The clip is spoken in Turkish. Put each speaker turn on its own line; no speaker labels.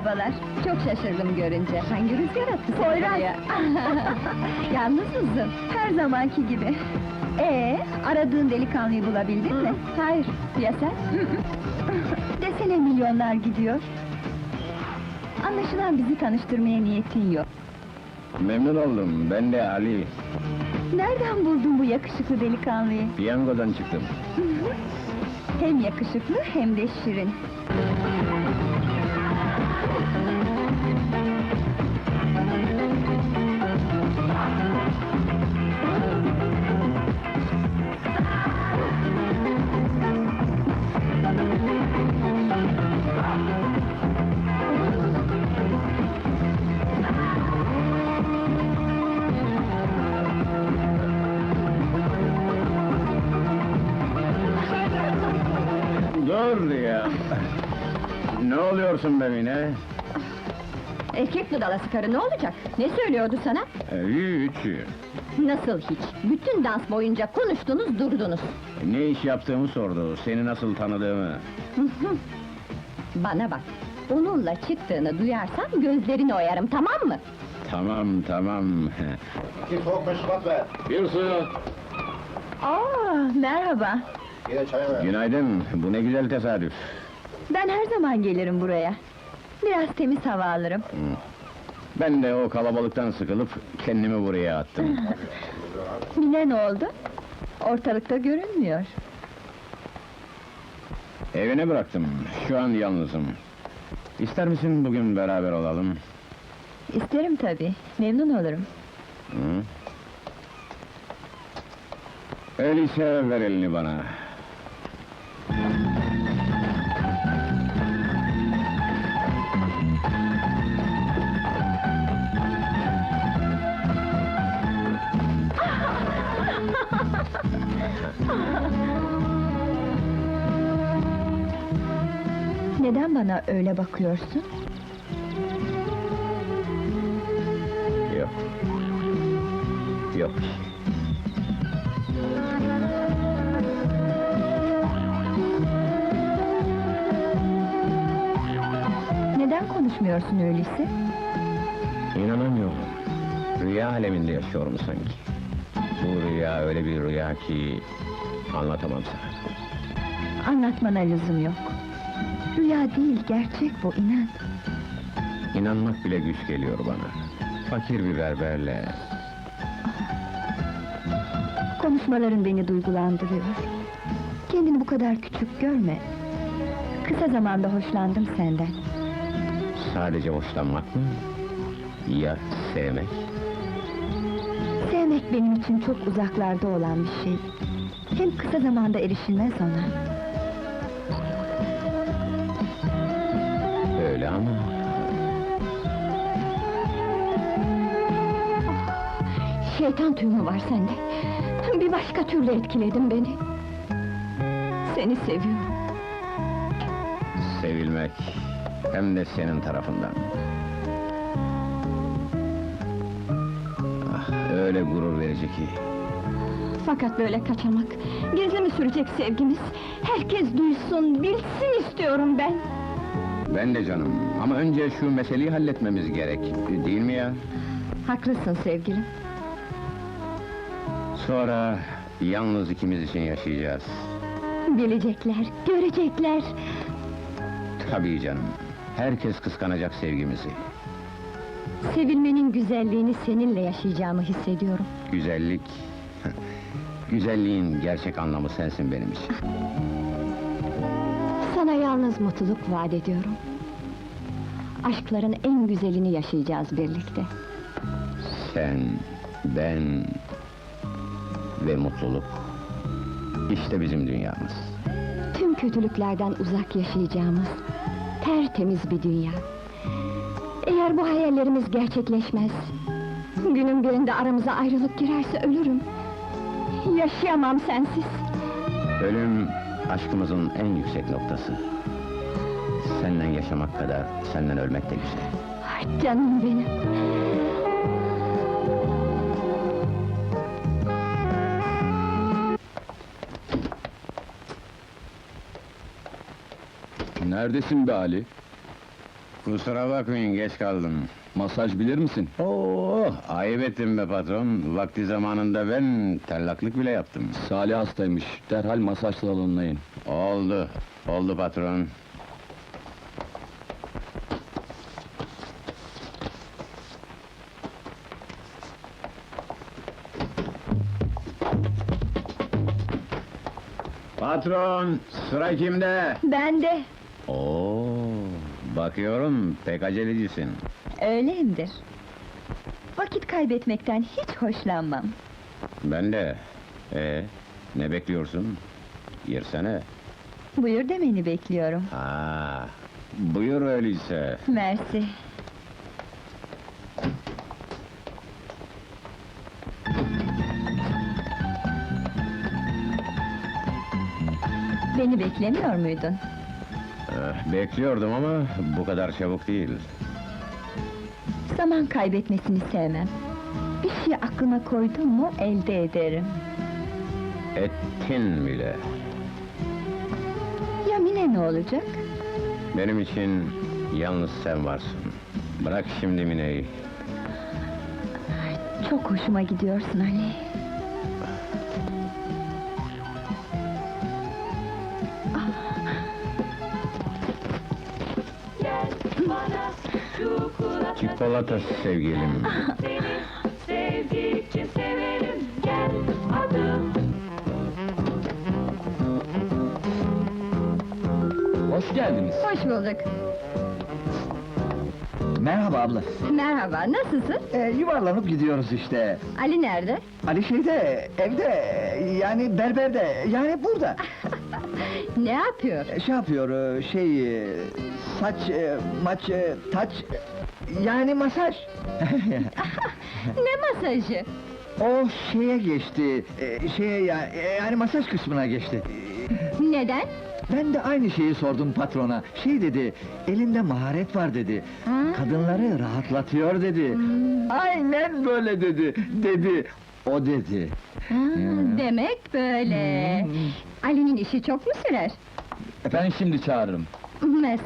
Merhabalar, çok şaşırdım görünce. Hangi rüzgar attı seni buraya? Yalnız mısın? Her zamanki gibi. Aradığın delikanlıyı bulabildin mi? Hayır, ya sen? Desene milyonlar gidiyor. Anlaşılan bizi tanıştırmaya niyetin yok.
Memnun oldum, ben de Ali.
Nereden buldun bu yakışıklı delikanlıyı?
Piyangodan çıktım.
Hem yakışıklı hem de şirin.
Dur ya! Ne oluyorsun be Mine?
Erkek budalası karı ne olacak? Ne söylüyordu sana?
Hiç.
Nasıl hiç? Bütün dans boyunca konuştunuz durdunuz.
Ne iş yaptığımı sordu, seni nasıl tanıdığımı.
Bana bak, onunla çıktığını duyarsam gözlerini oyarım, tamam mı?
Tamam.
Bir soğuk meşrubat ver.
Bir suyu.
Merhaba.
Yine çay ver.
Günaydın, bu ne güzel tesadüf.
Ben her zaman gelirim buraya. Biraz temiz hava alırım.
Ben de o kalabalıktan sıkılıp kendimi buraya attım.
Mine ne oldu? Ortalıkta görünmüyor.
Evine bıraktım, şu an yalnızım. İster misin bugün beraber olalım?
İsterim tabii, memnun olurum.
Hı? Öyleyse ver elini bana.
Neden bana öyle bakıyorsun?
Yok.
Neden konuşmuyorsun öyleyse?
İnanamıyorum. Rüya aleminde yaşıyorum sanki. Bu rüya öyle bir rüya ki... anlatamam sana.
Anlatmana lüzum yok. Rüya değil, gerçek bu, inan.
İnanmak bile güç geliyor bana. Fakir bir berberle...
Konuşmaların beni duygulandırıyor. Kendini bu kadar küçük görme. Kısa zamanda hoşlandım senden.
sadece hoşlanmak mı? Ya sevmek?
Sevmek benim için çok uzaklarda olan bir şey. Hem kısa zamanda erişilmez ona.
Öyle ama...
Şeytan tüyü mü var sende? Bir başka türlü etkiledin beni. Seni seviyorum.
Sevilmek, hem de senin tarafından. Ah, öyle gurur verici ki.
Fakat böyle kaçamak, gizli mi sürecek sevgimiz? Herkes duysun, bilsin istiyorum ben!
Ben de canım, ama önce şu meseleyi halletmemiz gerek, değil mi ya?
Haklısın sevgilim.
Sonra yalnız ikimiz için yaşayacağız.
Bilecekler, görecekler!
Tabii canım, herkes kıskanacak sevgimizi.
Sevilmenin güzelliğini seninle yaşayacağımı hissediyorum.
Güzellik... Güzelliğin gerçek anlamı sensin benim için.
Sana yalnız mutluluk vaat ediyorum. Aşkların en güzelini yaşayacağız birlikte.
Sen, ben... ve mutluluk. İşte bizim dünyamız.
Tüm kötülüklerden uzak yaşayacağımız tertemiz bir dünya. Eğer bu hayallerimiz gerçekleşmez, günün birinde aramıza ayrılık girerse ölürüm. Yaşayamam sensiz.
Ölüm, aşkımızın en yüksek noktası. Seninle yaşamak kadar, senden ölmek de güzel.
Ah, canım benim!
Neredesin be Ali? Kusura bakmayın, geç kaldım.
Masaj bilir misin?
Oo, ayıp ettim be patron. Vakti zamanında ben tellaklık bile yaptım.
Salih hastaymış, derhal masaj salonuna in.
Oldu, oldu patron. Patron, sıra kimde?
Ben de.
Oo, bakıyorum pek acelecisin.
Öyleyimdir. Vakit kaybetmekten hiç hoşlanmam.
Ben de. Ne bekliyorsun? Yersene.
Buyur demeni bekliyorum.
Ha, buyur öyleyse.
Mersi. Beni beklemiyor muydun?
Bekliyordum ama bu kadar çabuk değil.
Zaman kaybetmesini sevmem. Bir şey aklıma koydum mu elde ederim.
Ettin bile.
Ya Mine ne olacak?
Benim için yalnız sen varsın. Bırak şimdi Mine'yi.
Çok hoşuma gidiyorsun Ali.
Çikolata sevgilim.
Seni sevdikçe severim, gel adım.
Hoş geldiniz.
Hoş bulduk.
Merhaba abla.
Merhaba, nasılsın?
Yuvarlanıp gidiyoruz işte.
Ali nerede?
Ali şeyde, evde, yani berberde, yani burada.
Ne yapıyor?
Şey yapıyor, saç, maç, taç, yani masaj.
Ne masajı?
O şeye geçti, yani masaj kısmına geçti.
Neden?
Ben de aynı şeyi sordum patrona. Şey dedi, elinde maharet var dedi.
Ha?
Kadınları rahatlatıyor dedi. Aynen böyle dedi. O dedi.
Ha, demek böyle. Ali'nin işi çok mu sürer?
Ben şimdi çağırırım.
Mes